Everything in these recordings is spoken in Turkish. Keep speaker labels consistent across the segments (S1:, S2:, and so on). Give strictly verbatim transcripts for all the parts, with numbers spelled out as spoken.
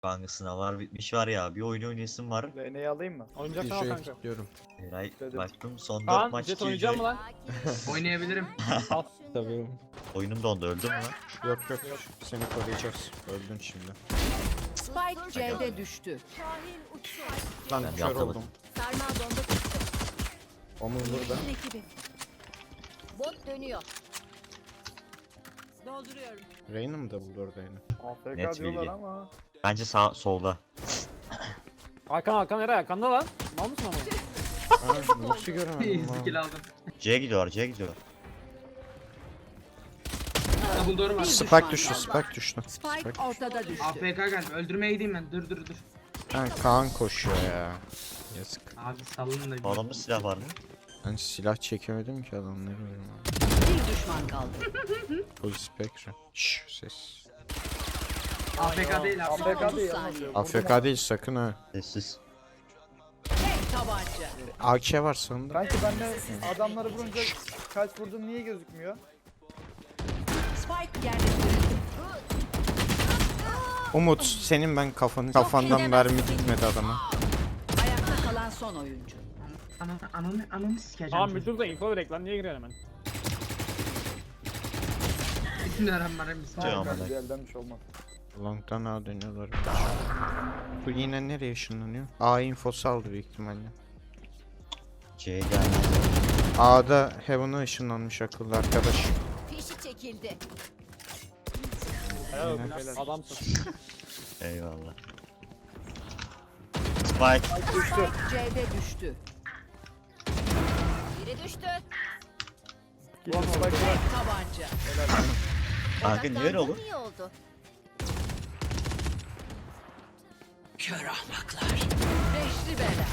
S1: Kanka sınavlar bitmiş var ya. Bir oyun oynayasım var.
S2: Reyne'yi alayım mı?
S3: Oynayacaksan al kanka.
S4: Diyorum.
S1: Eray
S2: Dedim.
S1: baktım son dört
S3: Kaan
S1: maç
S3: jet oynayacak mı lan?
S5: Oynayabilirim.
S3: Al.
S4: Tabii.
S1: Oyunum dondu, öldüm mü?
S4: Yok yok. Seni koruyacağız. Öldün şimdi.
S6: Spike C'de düştü.
S4: Lan
S1: Ben
S4: kör
S1: yatamadım.
S4: oldum.
S6: Sarmal bomba çıktı.
S4: Omuz burada.
S6: Ekibi. Bot dönüyor. Dolduruyorum.
S4: Reyna mı da buldu orada yine?
S2: A F
S1: Net
S2: K diyorlar
S1: bilgi.
S2: ama.
S1: Bence sağ solda.
S3: Hakan Hakan Eray Hakan'da lan. Mal mısın ama?
S4: Ha, nasıl göremedim
S5: Skill
S4: lan?
S5: aldım.
S1: C'ye gidiyorlar, C'ye gidiyorlar.
S5: Double door var.
S4: Spike düştü, Spike düştü.
S6: Spike ortada düştü.
S5: A F K geldi. Öldürmeye gideyim ben. Dur dur dur.
S4: Ha, Kaan koşuyor ya. Yazık.
S5: Abi salın da. bir-
S1: Adamda silah var mı?
S4: Ben silah çekemedim ki adamları.
S6: Bir düşman kaldı.
S4: Full Spectre. Şşş ses.
S5: A F K değil
S2: A
S5: abi.
S2: F K
S6: otuz
S2: değil
S6: saniye.
S2: ama.
S4: A F K değil sakın ha.
S1: Sessiz.
S6: Tek tabanca.
S4: A K var sanırım.
S2: Kanki ben de adamları vurunca kaç vurdum niye gözükmüyor?
S6: Spike yerleştirildi.
S4: Umut senin ben kafanı kafandan mermi gitmedi adama.
S6: Ayakta kalan son oyuncu.
S5: Ananı ananı ananı sikeceğim.
S3: Tamam bir dur da info verek lan niye giriyorsun hemen?
S5: Bismillahirrahmanirrahim.
S1: Tamam.
S2: Kanka bir elden bir şey olmaz.
S4: Long'dan A dönüyorlar. Bu yine nereye ışınlanıyor? A infosu aldı büyük ihtimalle.
S1: C'ye geldi.
S4: A'da Heaven'a ışınlanmış akıllı arkadaş.
S6: Fişi çekildi.
S3: Helal olsun
S4: Yine.
S3: beyler. Adamsın.
S1: Eyvallah. Spike.
S6: Spike C'de düştü. Biri düştü.
S2: Gidin spike bırak.
S6: Tek tabanca.
S1: Kanka niye öyle olur?
S6: İyi oldu. Kör ahmaklar. Beşli bela.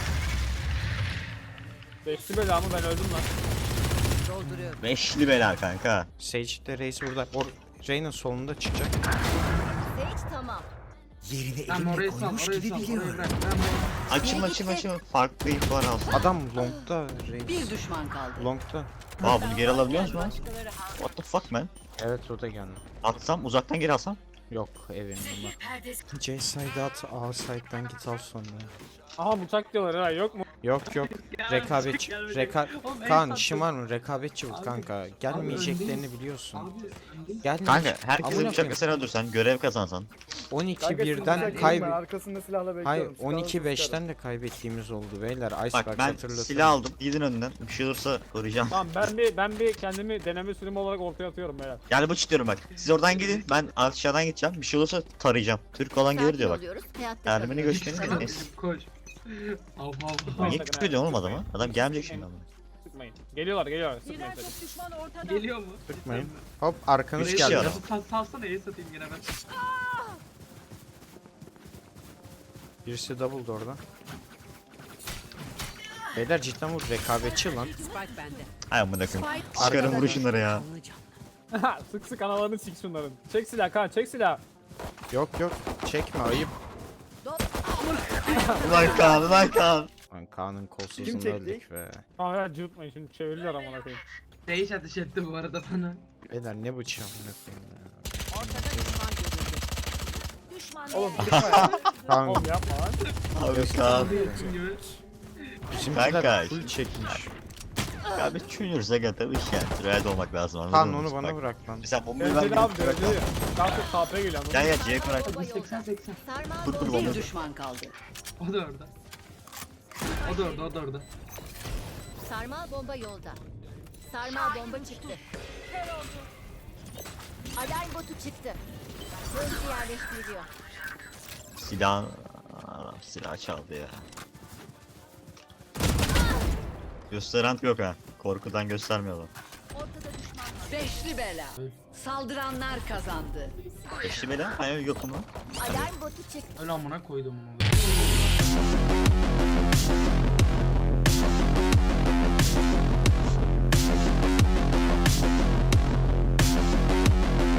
S3: Beşli belamı ben öldüm lan.
S6: Dolduruyorum.
S1: Beşli bela kanka.
S4: Sage de Reis burada. Or Reyna solunda çıkacak.
S6: Sage tamam.
S5: Tamam orayı sal. Orayı sal. Orayı bırak. Tamam.
S1: Açım açım açım. Farklı info alsın.
S4: Adam Long'da
S6: Bir
S4: Reis.
S6: düşman kaldı.
S4: Long'da.
S1: Aa bunu geri alabiliyor musun lan?
S6: Başkaları ha.
S1: What the fuck man?
S4: Evet o da geldi.
S1: Atsam uzaktan geri alsam.
S4: Yok evinin ama. C side at, A side'dan git al sonra.
S3: Aha bıçak diyorlar Eray yok mu?
S4: Yok yok. Rekabetçi.
S5: gelmedi.
S4: Reka
S5: Oğlum, en
S4: Kaan
S5: tatlı-
S4: işin var mı? Rekabetçi bu
S5: Abi,
S4: kanka.
S5: öndeyiz.
S4: Gelmeyeceklerini biliyorsun.
S5: Abi öndeyiz.
S4: Gelmeyecek.
S1: Kanka herkese
S4: Amına
S1: bıçakla
S4: koyayım.
S1: sen öldürsen, görev kazansan.
S4: on iki
S2: Kanka siz
S4: birden
S2: bıçak
S4: kayb...
S2: yiyin, ben arkasında silahla bekliyorum.
S4: Hayır
S2: Silahla
S4: on iki
S2: sıkarım.
S4: beşten de kaybettiğimiz oldu beyler. Icebox
S1: Bak ben
S4: hatırlasana.
S1: silah aldım. Gidin önünden. Bir şey olursa koruyacağım.
S3: Tamam ben bir ben bir kendimi deneme sürümü olarak ortaya atıyorum beyler.
S1: Gel bıç diyorum bak. Siz oradan gidin. Ben aşağıdan gideceğim. Bir şey olursa tarayacağım. Türk olan gelir diyor bak.
S6: Sakin oluyoruz, hayatta
S1: Ermeni
S6: kalıyoruz.
S1: göçmeni
S5: Tamam,
S1: gidin. Neyse.
S5: Koş. Av av av.
S1: Niye küfür ediyorsun oğlum adama? Adam gelmeyecek şimdi ama.
S3: Sıkmayın. Geliyorlar geliyorlar sıkmayın tabii.
S6: düşman ortada.
S5: Geliyor mu?
S4: Sıkmayın. Hop arkanız
S1: Üç
S4: geldi.
S1: kişi
S5: Geldi. Sal, salsana iyi satayım gene ben.
S4: Birisi double door'da. Beyler cidden bu rekabetçi lan.
S6: Spike bende.
S1: Ay amına koyayım.
S6: Spike
S1: Çıkarın
S6: ortada.
S1: vurun şunları ya.
S3: sık sık analarını sik şunların. Çek silah Kaan çek silah.
S4: Yok yok çekme ayıp.
S1: Ulan Kaan, ulan Kaan.
S4: Lan Kaan'ın
S2: Kim
S4: kolsuzluğunu
S2: çekti?
S4: öldük be.
S3: Tamam ya cıvıtmayın şimdi çevirdiler amına koyayım.
S5: Değiş ateş etti bu arada bana.
S4: Beyler ne bıçağı ne koyayım ya.
S6: Ortada düşman görüldü. Düşman
S2: Oğlum
S6: yerde.
S2: çıkma ya.
S4: Kaan
S3: Oğlum yapma lan.
S1: Abi Kaan.
S5: Yaptığım gibi.
S4: bizimkiler
S1: Kanka.
S4: full çekmiş.
S1: Ya biz Junior'sa gel iş yani. Realde olmak lazım anladın
S4: Kaan
S1: mı?
S4: onu bana
S1: Bak,
S4: bırak lan.
S1: Mesela bombayı ver.
S3: Önceli abi
S1: bırak
S3: önceli.
S1: lan.
S3: Daha çok K P geliyor.
S1: Gel gel C'ye bırak.
S5: seksen seksen.
S6: Sarmal
S1: Dur, dur,
S6: bomba.
S1: bomba.
S6: Bir düşman kaldı.
S5: O da orada. O da orada, o da orada.
S6: Sarmal bomba yolda. Sarmal bomba çıktı. Alarm botu çıktı. Hızlı yerleştiriliyor.
S1: Silah... Aa, silah çaldı ya. Gösteren yok ha. Korkudan göstermiyorlar.
S6: Ortada düşman var. Beşli bela. Saldıranlar kazandı.
S1: Eşli bela? Hayır yok mu?
S6: Alarm botu çıktı.
S5: Öyle amına koydum onu.